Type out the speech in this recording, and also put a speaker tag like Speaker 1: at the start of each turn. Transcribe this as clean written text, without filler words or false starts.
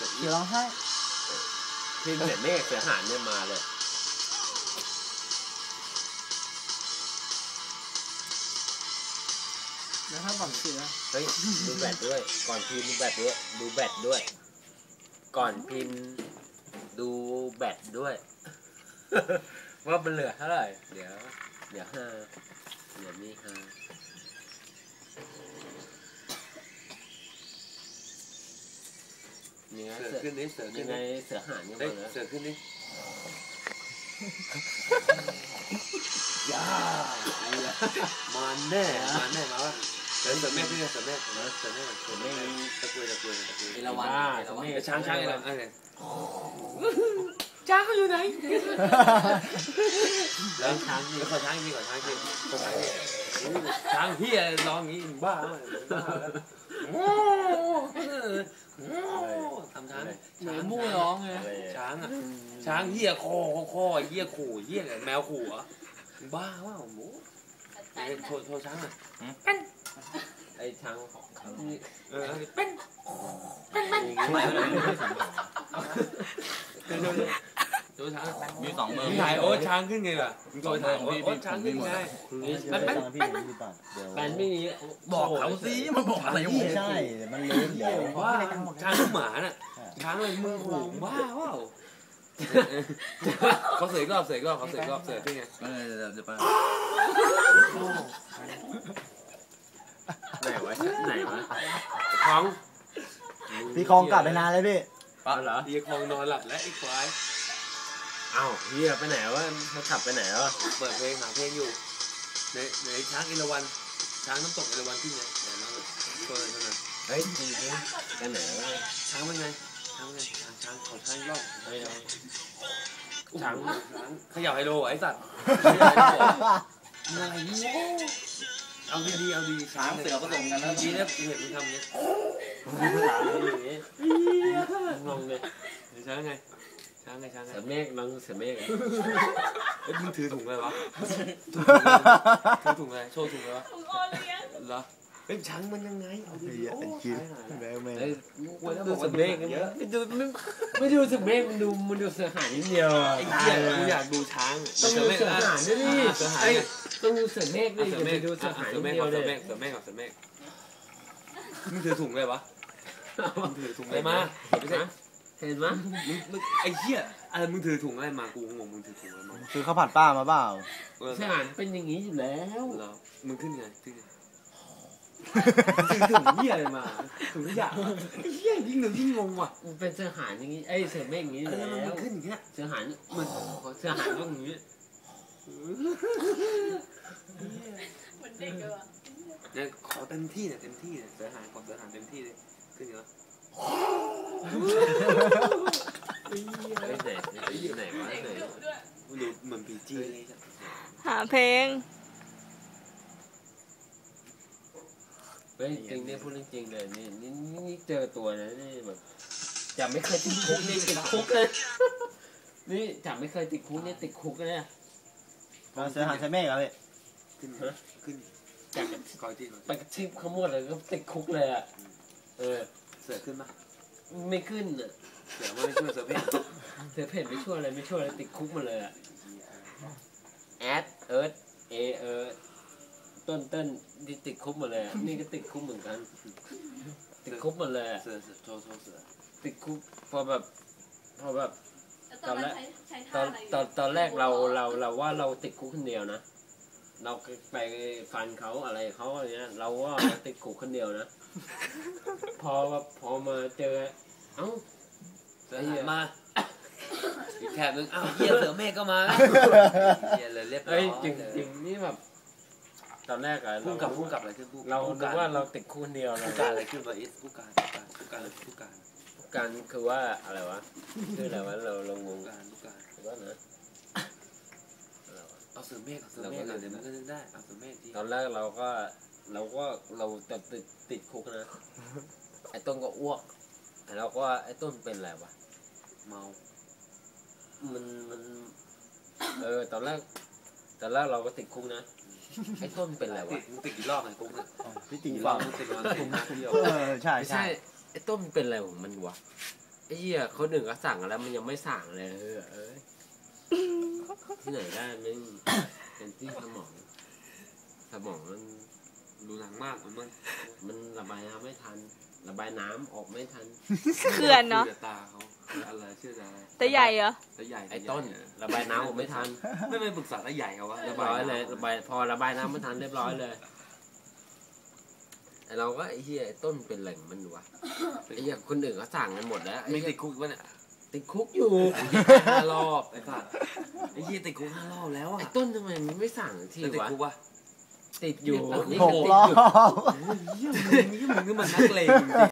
Speaker 1: เสือร้องไห้
Speaker 2: พิมพ์เสือเมฆเสือหานเนี่ยมาเลย
Speaker 1: แล้วถ้าฝั่งเสือ
Speaker 2: เฮ้ยดูแบตด้วยก่อนพิมพ์ดูแบตด้วยดูแบตด้วยก่อนพิมพ์ดูแบตด้วยว่ามันเหลือเท่าไหร่เดี๋ยว5เดี๋ยวนี่5ยังไงเสือขึ้นนี่เสือยังไงเสือหานยังไงเสือขึ้นนี่ย่ามาแน่มาว่าเสือแม่ขึ้นเสือแม่นะเสือแม่ตะกุยเอราวัณช้างอะไรช้างเขาอยู่ไหนแล้วช้างนี่ขอช้างนี่ช้างพี่ร้องงี้บ้าทำช้าง
Speaker 1: เหมือนมู่ร้องไง
Speaker 2: ช้างเหี้ยคอเหี้ยขู่เหี้ยแมวขู่อ่ะบ้าว่าหมูโชว์ช้างอ่ะเป็นไอ้ช้างของเขาเป็นตัวช้างมี2 มือถ่ายโอ๊ตช้างขึ้นไงล่ะตัวถ่ายโอ๊ตช้างขึ้นไงเป็นไม่มีบอกเขาสิมาบอกอะไรอยู่
Speaker 1: ใช่มันเลี้ยงเดี๋ยว
Speaker 2: ว่าช้างหมาน่ะช้างเลยมือขู่ว้าวเขาเสยรอบเขาเสยรอบที่ไงจะไปไหนวะของ
Speaker 1: พี่คลองกลับไปนานเลยพี่
Speaker 2: เหรอพี่คลองนอนหลับแล้วไอ้ควายอ้าวเฮียไปไหนวะเขาขับไปไหนวะเปิดเพลงหาเพลงอยู่ในช้างเอราวัณช้างน้ำตกเอราวัณที่ไงไหนน้องตัวไหนตัวนั้นเฮ้ยจริงไปไหนวะช้างเป็นไงช้างขอช้างรอบช้างขยับไฮโลไอ้สัตว์อะไรเนี่ยเอาดีช้างเสือผสมกันแล้วดีนะเห็นมึงทำเงี้ยงงเลยช้างไงเสือเมฆน้องเสือเมฆเอ้ยมึงถือถุงอะไรวะถือถุงอะไรโชว์ถุงอะไรวะถุงโอเลี้ยงเหรอเฮ้ยช้างมันยังไงเอาดีโอ้ยดูเสือเมฆไม่ดูเสือเมฆมันดูเสือหานนิดเดียวไอ้เหี้ยกูอยากดูช้างต้องดูเสือหานด้วยดิต้องดูเสือเมฆดิไปดูเสือหานนิดเดียวเลยเสือเมฆมึงถือถุงอะไรวะถือถุงอะไรมาเห็นไหมมึงไอ้เหี้ยอะไรมึงถือถุงอะไรมากูงงมึงถือถุงอะไรมา
Speaker 1: คือข้าวผัดป้ามาเปล่า
Speaker 2: เสือหานเป็นอย่างนี้อยู่แล้วมึงขึ้นไงถือถุงเหี้ยอะไรมาถุงขยะไอ้เหี้ยยิ่งงงว่ะมันเป็นเสือหานอย่างนี้ไอ้เสือเมฆอย่างนี้แล้วมันขึ้นอย่างเงี้ยเสือหานมันเสือหานต้องอย่างนี้
Speaker 3: เหมือนเด็กเลยว่ะ
Speaker 2: เนี่ยขอเต็มที่เสือหานขอเสือหานเต็มที่เลยขึ้นเหรอไหนวะดูเหมือนพีจี
Speaker 3: หาเพลง
Speaker 2: เฮ้ยจริงเนี่ยพูดจริงเลยนี่เจอตัวนะนี่แบบจับไม่เคยติดคุกนี่ติดคุกเลยนี่จับไม่เคยติดคุกนี่ติดคุกเลย
Speaker 1: มาเสือหางใช้เมฆเหรอพี่
Speaker 2: ขึ้นจากไปกระชิบขโมยเลยก็ติดคุกเลยอ่ะเสือขึ้นปะไม่ขึ้นอ่ะเสือไม่ช่วยเสือเพ่นไม่ช่วยอะไรติดคุกมาเลยอ่ะแอดเอิร์ธต้นที่ติดคุกหมดเลยนี่ก็ติดคุกเหมือนกันติดคุกหมดเลยเสือโชว์เสือติดคุกพอแบบตอนแรกเราว่าเราติดคุกคนเดียวนะเราไปฟันเขาอะไรเขาอะไรเงี้ยเราว่าติดคุกคนเดียวนะพอมาเจอเอ้าเสือมาอีกแถบนึงอ้าวเหี้ยเสือเมฆก็มาเหี้ยเลยเรียบร้อยจริงนี่แบบตอนแรกอะพุ่งกับอะไรขึ้นเราคิดว่าเราติดคู่เดียวนะผู้การอะไรขึ้นมาผู้การคือว่าอะไรวะคืออะไรวะเรางงว่านะเอาเสือเมฆเดี๋ยวมันก็ได้เอาเสือเมฆตอนแรกเราจะติดคุกนะไอ้ต้นก็อ้วกเราก็ไอ้ต้นเป็นอะไรวะเมามันตอนแรกเราก็ติดคุกนะไอ้ต้นเป็นอะไรวะมึงติดกี่รอบไอ้คุกเนี่ย
Speaker 1: พี่ติดกี่รอบ
Speaker 2: มึงติดมาคุกนะเดียว
Speaker 1: ใช่
Speaker 2: ไอ้ต้นเป็นอะไรของมันวะไอ้อ้เหี้ยคนหนึ่งก็สั่งแล้วมันยังไม่สั่งเลยที่ไหนได้ไม่เป็นที่สมองมัน
Speaker 4: ดูหนังมาก
Speaker 2: มันระบายน้ำไม่ทันระบายน้ำออกไม่ทัน
Speaker 3: เขื่อนเนาะ
Speaker 4: ตาเขาอะไรชื่ออะไร
Speaker 3: แต่ใหญ่เหรอ
Speaker 4: ตาใหญ่
Speaker 2: ไอ้ต้นระบายน้ำออกไม่ทัน
Speaker 4: ไม่ไปปรึกษาตาใหญ่เขาวะ
Speaker 2: เรียบร้อยเลยพอระบายน้ำไม่ทันเรียบร้อยเลยไอ้เราก็ไอ้เหี้ยไอ้ต้นเป็นแหล่งมันวะไอ้เหี้ยคนอื่นเขาสั่งกันหมดแล้ว
Speaker 4: ไม่ติดคุกวะเนี่ย
Speaker 2: ติดคุกอยู่5 รอบ
Speaker 4: ไอ้สัตว์ไอ้เหี้ยติดคุก5 รอบแล้วอ่ะ
Speaker 2: ไอ้ต้นทำไมมันไม่สั่งที
Speaker 4: ติด
Speaker 2: วะ
Speaker 4: คุกวะ
Speaker 2: ติดอยู่นี่
Speaker 1: 6 รอบ
Speaker 4: เหี้ยมึงนี่มันนักเลงจริง